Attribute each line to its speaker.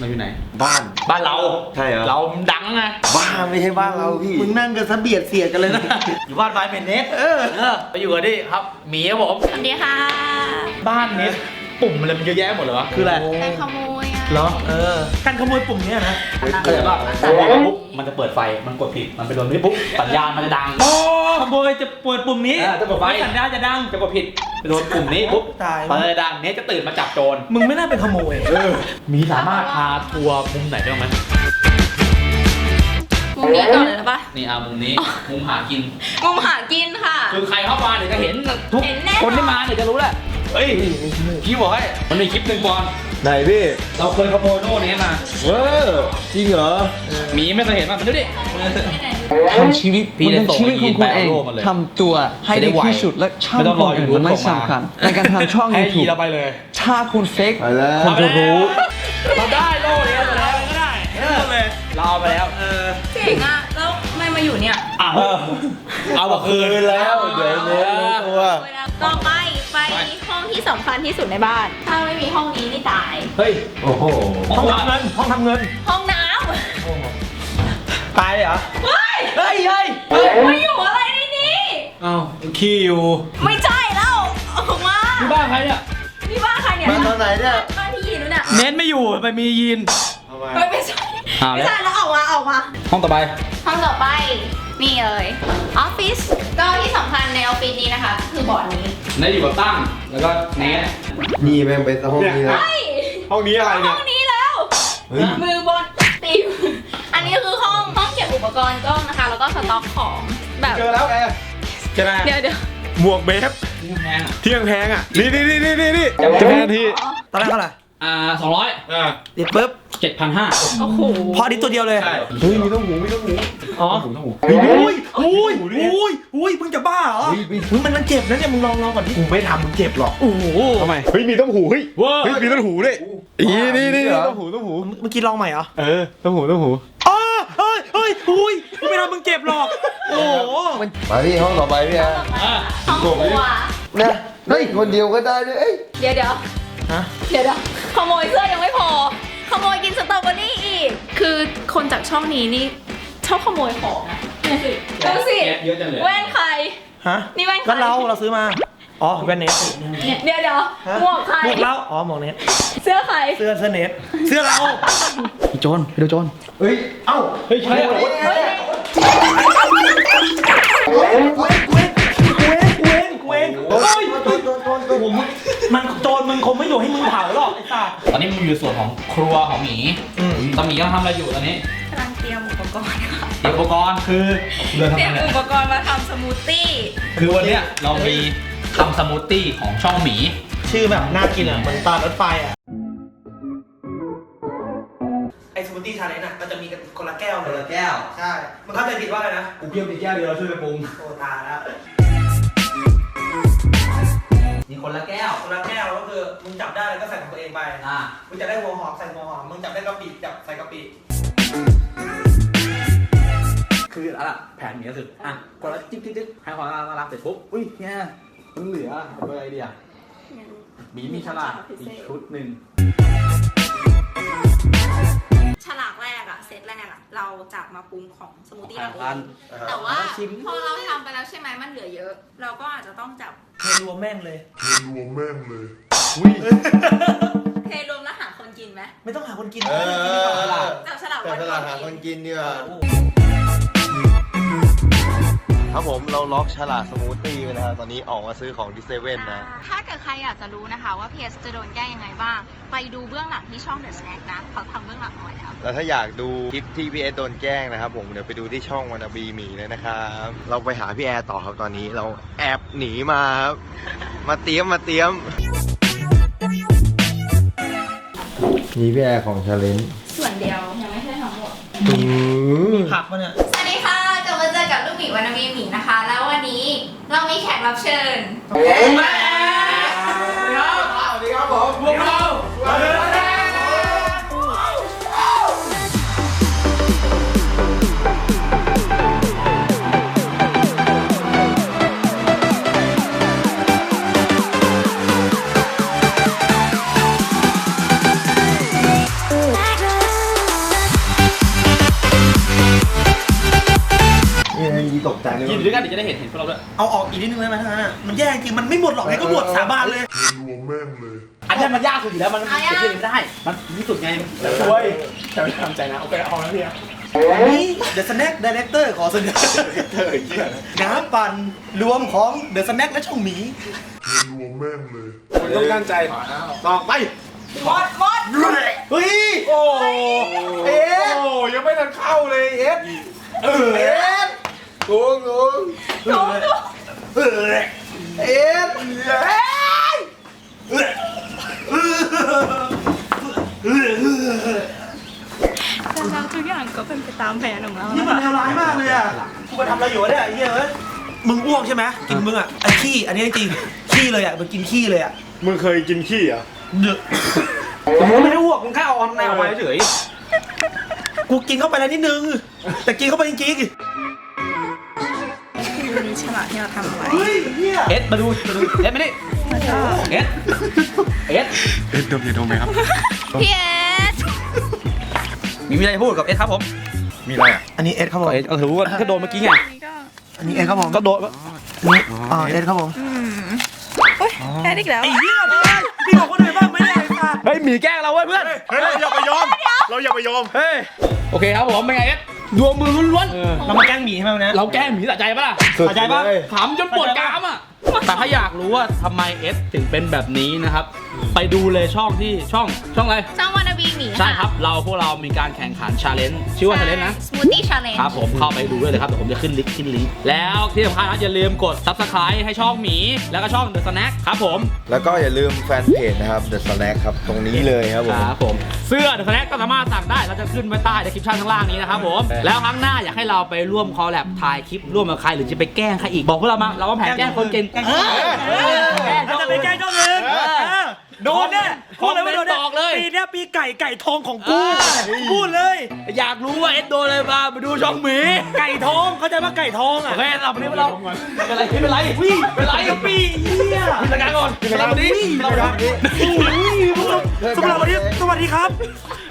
Speaker 1: เราอยู่ไหน
Speaker 2: บ้าน
Speaker 1: เรา
Speaker 2: ใช่เหรอ
Speaker 1: เราดังไง
Speaker 2: บ้านไม่ใช่บ้านเราพี่
Speaker 3: มึงนั่งกันซะเบียดเสียดกันเลยนะอยู่บ้านไม้เป็นเน็ต
Speaker 1: ไปอยู่กันดิครับหมีครับผม
Speaker 4: สวัสดีค่ะ
Speaker 1: บ้านนี้ปุ่มอะไรมันเยอะแยะหมดเลยวะคืออะไร
Speaker 4: การขโมยอ่ะ
Speaker 3: เหรอการขโมยปุ่มเนี้ยนะ
Speaker 1: เข้าใจป่ะพอปุ๊บมันจะเปิดไฟมันกดผิดมันไปโดนนี่ปุ๊บสัญญาณมันจะดัง
Speaker 3: โอ้ขโมยจะเปิดปุ่มนี้
Speaker 1: จะกดไฟ
Speaker 3: สัญญาณจะดัง
Speaker 1: จะกดผิดไปโดนปุ่มนี้ปุ๊บ
Speaker 3: ตาย
Speaker 1: มันจะดังเนี้ยจะตื่นมาจับโจร
Speaker 3: มึงไม่น่าเป็นขโมย
Speaker 1: มีสามารถพาทัวร์มุมไหนได้บ้างไหม
Speaker 4: มุมนี้ก่อนเลยนะปะ
Speaker 1: นี่มุมนี้มุมหากิน
Speaker 4: มุมหากินค่ะ
Speaker 1: คือใครเข้ามาเดี๋ยวจะเห็นทุก
Speaker 4: เห็นแน่นอน
Speaker 1: คนที่มาเดี๋ยวจะรู้แหละเฮ้ยพี่บอกให้มันมีคลิปหนึ่งก่อน
Speaker 2: ไหนพี่
Speaker 1: เราเคยขโมยโน่นนี้มา
Speaker 2: จริงเหรอ
Speaker 1: หมีไม่เคยเห็นมันดูดิ
Speaker 5: ทำชีวิต
Speaker 1: พี่
Speaker 5: มัน
Speaker 1: ได้
Speaker 5: เป็น
Speaker 1: ส่ง
Speaker 5: ชีวิตของคุณเอง
Speaker 1: ยีนไปเอาโลกมาเลย
Speaker 5: ทำตัวให้ได้ที่สุดและช่าง
Speaker 1: ไม่ต้อง
Speaker 5: ค
Speaker 1: รอน
Speaker 5: อื่น
Speaker 1: YouTube
Speaker 5: มันไม่
Speaker 1: ส่งมา
Speaker 5: สำคัญในการทำช่อง
Speaker 1: ให้ยี
Speaker 5: YouTube
Speaker 1: เราไปเลย
Speaker 5: ถ้าคุณเฟก
Speaker 2: ไปแล้ว
Speaker 5: คนจะรู้
Speaker 1: เราได้โล่นี้มาแล้วก็ได้เราเอาไปแล้ว
Speaker 4: เจ๋งอ่ะ แล้วไม่มาอยู่เนี่ย
Speaker 1: เอามาคืน
Speaker 2: แล้วเดี๋ยวเนี้ตัว
Speaker 4: ต่อไปห้องที่สำคัญที่สุดในบ้าน ถ้าไม่มีห้องนี้นี่ตาย
Speaker 1: เฮ้ย
Speaker 2: โอ้โห
Speaker 3: ห้องทำเงินห้องทำเงิน
Speaker 4: ห้องน้
Speaker 3: ตายเลยเหรอ
Speaker 4: ำเฮ้ย
Speaker 3: เฮ้ย
Speaker 4: มาอยู่อะไรในนี้
Speaker 1: อ้าวขี้อยู่
Speaker 4: ไม่ใช่แล้วออกมา
Speaker 1: ที่บ้านใครเนี่ย
Speaker 4: นี่บ้านใครเนี่ย
Speaker 2: มาตอนไหนเนี่ย
Speaker 4: บ้านที่ยีนนู้นน่ะ
Speaker 3: เน้นไม่อยู่ไปมียีน
Speaker 2: ทำไม
Speaker 4: เฮ้ยไม่ใช่ ไม่ใช่แล้วออกมา
Speaker 1: ห้องต่อไป
Speaker 4: ห้องต่อไปนี่เลยออฟฟิศก็ที่สำคัญในออฟฟิศนี้นะคะ คือบอร์ดนี้
Speaker 1: นี่อยู่กับตั้งแล้วก็เนส
Speaker 2: นี่แม่งไปห้องนี้นะ
Speaker 4: เฮ้ย
Speaker 1: ห้องนี้อะไร
Speaker 4: ห้
Speaker 1: เนี่ย
Speaker 4: องนี้แล้ว
Speaker 2: เฮ้ย
Speaker 4: มือบอลตีมอันนี้คือห้องเก็บอุปกรณ์กล้องนะคะ แล้วก็สต็อกของแบบ
Speaker 2: เจอแล้วแก
Speaker 3: ใช่ไหม
Speaker 4: เดี๋ยว
Speaker 6: หมวกเบฟ
Speaker 1: ที่แพงอ่ะ
Speaker 6: ที่ยังแพงอ่ะ นี่จะแพงที
Speaker 3: ตอนแรกเท่าไหร่
Speaker 1: 200
Speaker 3: ติดปุ๊บ
Speaker 1: 7,500
Speaker 4: โอ้โห
Speaker 3: พอดีตัวเดียวเลย
Speaker 1: ใช่
Speaker 2: เฮ้ยมีต้องหู
Speaker 3: อ๋อ
Speaker 1: ต้องหู
Speaker 3: อุ้ยมึงจะบ้าเหรอมึงมันเจ็บนะเนี่ยมึงลองก่อนดิ
Speaker 2: กูไม่ทำมึงเจ็บหรอก
Speaker 3: โอ้โห
Speaker 6: ทำไม เฮ้ย มีต้องหู เฮ้ย เฮ้ย มีต้องหูด้วยนี่ต้องหู
Speaker 3: เมื่อกี้ลองใหม่เหรอ
Speaker 6: ต้องหู
Speaker 3: อ๋อเฮ้ยกูไม่ทำมึงเจ็บหรอกโอ้โห
Speaker 2: มาพี่ห้องต่อไปพี่แอร์
Speaker 4: ห้องครัว
Speaker 2: นะเฮ้ยคนเดียวก็ได้ด้วยเอ้ย
Speaker 4: เดี๋ยว
Speaker 3: ฮะ
Speaker 4: เดี๋ยวขโมยเสื้อยังไม่พอ ขโมยกินสตรอเบอรี่อีก คือคนจากช่องนี้นี่ชอบขโมยของนะดูสิ
Speaker 1: เยอะจังเลย
Speaker 4: แว่นใคร
Speaker 3: ฮะ
Speaker 4: นี่แว่นใคร
Speaker 3: ก็เราซื้อมาอ๋อแว่นเน็ต
Speaker 4: เดี๋ยวหมวกใคร
Speaker 3: หมวกเราอ๋อหมวกเน็ต
Speaker 4: เสื้อใคร
Speaker 3: เสื้อเน็ตเสื้อเรา
Speaker 1: พี่โจนไปดูโจน
Speaker 2: เฮ้ยเอ้า
Speaker 1: เฮ้ยใช่เหรอ
Speaker 4: เฮ้ย
Speaker 3: กูเองเฮ้ยมันโจรมึงคงไม่อยู่ให้มึงเผาหรอกไอ้สัส
Speaker 1: ตอนนี้มันอยู่ส่วนของครัวของหมีตอนหมีกำลังทำอะไรอยู่ตอนนี้
Speaker 4: กำลังเตรียมอุปกรณ์ค่ะ
Speaker 1: เตรียมอุปกรณ์คือเรือ
Speaker 4: เตรีย
Speaker 1: ทำ
Speaker 4: ม
Speaker 1: อะไร
Speaker 4: อุปกรณ์มาทำสมูทตี้
Speaker 1: คือวันเนี้ยเรามีทำสมูทตี้ของช่องหมี
Speaker 3: ชื่อแบบน่ากินอ่ะเหมือนตารถไฟอ่ะไอสมูทตี้ชาเลนจ์อ่ะมันจะมีกันคนละแก้วเลย ใช่มันเข้าใจผิดว่าอะไรนะ
Speaker 1: กูเพียบไปแก้วเดียวเราช่วยไปปรุง
Speaker 3: โอ้ตายแล้ว
Speaker 1: นี่คนละแก้ว
Speaker 3: คนละแก้วก็คือมึงจับได้แล้วก็ใส่ของตัวเองไป
Speaker 1: อ่า
Speaker 3: มึงจับได้หัวหอมใส่หัวหอมมึงจับได้กะปิจับใส่กะปิ
Speaker 1: คืออะไรล่ะแผนหมีก็คืออ่ะคนละจิ๊บให้ความน่ารักเสร็จปุ๊บอุ้ยเนี่ยมันเหลือเอาไปอะไรดีอ่ะหมีมีฉลากอีกชุดหนึ่ง
Speaker 4: ฉลากแรกอะเซตแรกอะเราจับมาปรุงของสมูทตี้เราเอ
Speaker 1: พัน
Speaker 4: งแต่ว่าพอเราทำไปแล้วใช่ไหมมันเหลือเยอะ เราก็อาจจะต้องจับ
Speaker 3: รวมแม่งเลย
Speaker 4: เทรวมแล้วหาคนกินไหม
Speaker 3: ไม่ต้องหาคนกิน
Speaker 4: จับฉลาก
Speaker 2: แต่
Speaker 4: วัน
Speaker 2: ต
Speaker 4: ก่
Speaker 2: ลา
Speaker 4: อ
Speaker 2: ด
Speaker 4: น
Speaker 2: หาค
Speaker 4: กิ
Speaker 2: น
Speaker 4: น
Speaker 2: กินดีกว่าครับผมเราล็อกฉลากสมูทตี้ไปแล้วตอนนี้ออกมาซื้อของที่เซเว่นนะ
Speaker 4: ถ้าเกิดใครอยากจะรู้นะคะว่า PS จะโดนแกล้งยังไงบ้าง ไปดูเบื้องหลังที่ช่อง The Snack นะเขาทำเบื้องหลังเอาไว้แล้ว
Speaker 2: แล้วถ้าอยากดูคลิปที่พี่แอร์โดนแกล้งนะครับผมเดี๋ยวไปดูที่ช่องวานาบีหมีเลยนะครับเราไปหาพี่แอร์ต่อครับตอนนี้เราแอบหนีมาครับมาเตรียมนี่พี่แอร์ของชาเลนจ์
Speaker 4: ส่วนเดียวยังไม่ใช่ทั้งหมด
Speaker 3: ผักปะเนี่ย
Speaker 4: สวัสดีค่ะกลับมาเจอกับลูกหมีวานาบีหมีนะคะ แล้ววันนี้เรามีแขกรับเชิญ
Speaker 2: สวัสดีครับผมพวกเรา
Speaker 1: กินด้วยกันเดี๋ยวจะได้เห็นพวกเราด้วย
Speaker 3: เอาออกอีกนิดนึงได้ไหมทั้งนั้นอะมันแย่จริงมันไม่หมดหรอกไงก็หมดสาบานเลย
Speaker 1: อันนี้มันยากสุดอยู่แล้วมันเกิดขึ้นไม่ได้มันที่สุดไงช่วยแต่ไม่ทำใจนะโอเคเอาแล้วพี่
Speaker 3: นี่ The Snack Director ขอเสนอน้ำปั่นรวมของ The Snack และช่องหมี
Speaker 6: ต้องการใจต่อไป
Speaker 4: หมด
Speaker 3: เฮ้ย
Speaker 6: โอ้เอสโอ้ยังไม่ทันเข้าเลยเอสเอสงง
Speaker 3: เอ็ด
Speaker 4: แล้วทุกอย่างก็เป็นไปตามแผนของเรา
Speaker 3: นี่มันเลวร้ายมากเลยอ่ะกูมาทำอะไรอยู่วะเนี่ยไอ้เหี้ยเอ้ยมึงอ้วกใช่ไหมกินมึงอ่ะไอ้ขี้อันนี้จริงๆขี้เลยอ่ะมันกินขี้เลยอ่ะ
Speaker 6: มึงเคยกินขี้อ่ะ
Speaker 3: เดือด
Speaker 1: แต่มึงไม่ได้อ้วกมึงแค่เอาในออกมาเฉย
Speaker 3: กูกินเข้าไปแล้วนิดนึงแต่กินเข้าไปจริง
Speaker 4: คือมีฉลากที่เราทำไว้
Speaker 3: ๆเฮ้ยเหี้ย
Speaker 1: เอสมาดูเอสไม่ได้
Speaker 4: แล้วก็
Speaker 1: เอส
Speaker 6: เอสดมอย่าดมไหมครับ
Speaker 4: พี่เอส
Speaker 1: มีอะไรพูดกับเอสครับผม
Speaker 6: มีอะไรอ่ะ
Speaker 3: อันนี้เอ็ดครับผม
Speaker 1: เอสก็ถือว่าก็โดนเมื่อกี้ไง
Speaker 4: นี่ก็
Speaker 3: อันนี้เอ็ดครับผม
Speaker 1: ก็โดน
Speaker 3: นี่เอ็ดครับผม
Speaker 4: เฮ้ยแพ้อีกแล้ว
Speaker 3: ไอ้เหี้ยพี่บอกคนอื่นบ้างไหมเนี่ยไอ้สัส
Speaker 1: เฮ้ยหมีแกล้งเราเว้ยเพื่อน
Speaker 6: เฮ้ยเราอย่าไปยอม เราอย่าไปยอม
Speaker 1: เฮ้ยโอเคครับผมเป็นไงเอสดวงมือล้วนๆ
Speaker 3: เรามาแกล้งหมีใช่ไหมวันนี้
Speaker 1: เราแกล้งหมีสะใจปะล่ะ
Speaker 6: สุด
Speaker 3: เข้าใจปะ
Speaker 6: เลย
Speaker 1: ถามจนปวดกรามอ่ะ แต่ถ้าอยากรู้ว่าทำไมเอสถึงเป็นแบบนี้นะครับ ไปดูเลยช่องอะไร
Speaker 4: ช่องวานาบีหมี
Speaker 1: ใช่ครับ พวกเรามีการแข่งขันชาเลนจ์ชื่อว่าชาเลนจ์นะ
Speaker 4: สมูทตี้ชาเลนจ์
Speaker 1: ครับผมเข้าไปดูด้วยเลยครับเดี๋ยวผมจะขึ้นลิงก์แล้วที่สำคัญนะอย่าลืมกด subscribe ให้ช่องหมี แล้วก็ช่อง The Snack ครับผม
Speaker 2: แล้วก็อย่าลืมแฟนเพจนะครับ The Snack ครับ ตรงนี้เลยครับผม
Speaker 1: ครับผมเสื้อ The Snack ก็สามารถสั่งได้เราจะขึ้นไว้ใต้ description ข้างล่างนี้นะครับผม แล้วครั้งหน้าอยากให้เราไปร่วมคอลแลบถ่ายคลิปร่วมกับใครหรือจะไปแกล้งใครอีกบอกพวกเรามาเราว่าแผนแกล้งคนเก่ง
Speaker 3: เราจะไปแกล้งเจ้าอื่นโดนเนี่ยพูดเลยว่าโดนเนี่ย
Speaker 1: บอกเลย
Speaker 3: ปีเนี้ยปีไก่ทองของกูพูดเลย
Speaker 1: อยากรู้ว่าเอสโดนอะไรมาไปดูช่องหมี
Speaker 3: ไก่ทองเข้าใจว่าไก่ทองอ่ะ
Speaker 1: โอเคเราไปนี่เราเป็นไรวิ่งเป็นไรกับปีเฮียพิจารณาก่อนเราไปนี่เราไปนี่
Speaker 3: สำหรับวันนี้สวัสดีครับ